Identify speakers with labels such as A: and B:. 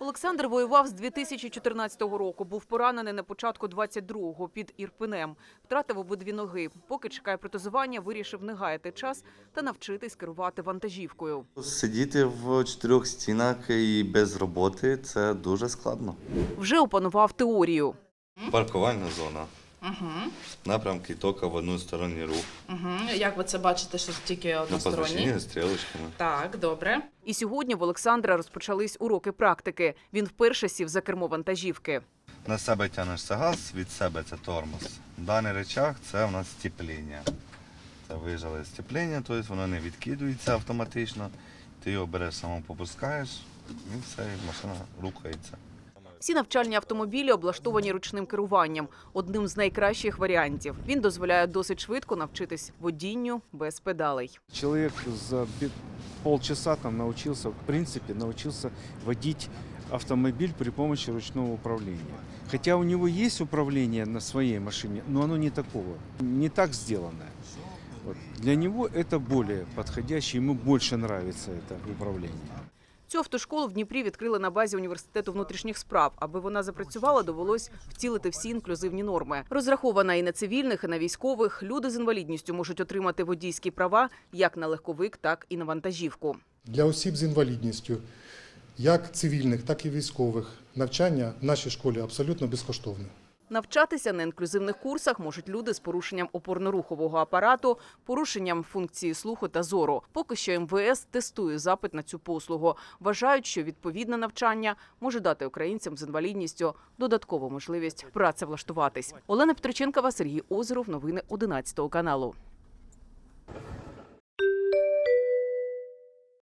A: Олександр воював з 2014 року. Був поранений на початку 22-го під Ірпенем. Втратив обидві ноги. Поки чекає протезування, вирішив не гаяти час та навчитись керувати вантажівкою.
B: Сидіти в чотирьох стінах і без роботи – це дуже складно.
A: Вже опанував теорію.
B: Паркувальна зона. Напрямки тільки в односторонній рух.
C: Як ви це бачите, що тільки односторонні?
B: Позначені стрілочками.
C: Так, добре.
A: І сьогодні в Олександра розпочались уроки практики. Він вперше сів за кермо вантажівки.
B: На себе тягнешся газ, від себе це тормоз. Даний рычаг – це у нас степління. Це вижали степління, тобто воно не відкидується автоматично. Ти його береш, само попускаєш і все, і машина рухається.
A: Всі навчальні автомобілі облаштовані ручним керуванням. Одним з найкращих варіантів. Він дозволяє досить швидко навчитись водінню без педалей.
D: Человек за полчаса там научился, в принципе, водить автомобиль при помощи ручного управления. Хотя у него есть управление на своей машине, но оно не такого, не так сделанное. Вот. Для него это более подходящее, ему больше нравится это управление.
A: Цю автошколу в Дніпрі відкрили на базі Університету внутрішніх справ. Аби вона запрацювала, довелось втілити всі інклюзивні норми. Розрахована і на цивільних, і на військових. Люди з інвалідністю можуть отримати водійські права як на легковик, так і на вантажівку.
E: Для осіб з інвалідністю, як цивільних, так і військових, навчання в нашій школі абсолютно безкоштовне.
A: Навчатися на інклюзивних курсах можуть люди з порушенням опорно-рухового апарату, порушенням функції слуху та зору. Поки що МВС тестує запит на цю послугу. Вважають, що відповідне навчання може дати українцям з інвалідністю додаткову можливість працевлаштуватись. Олена Петриченкова, Сергій Озеров. Новини 11 каналу.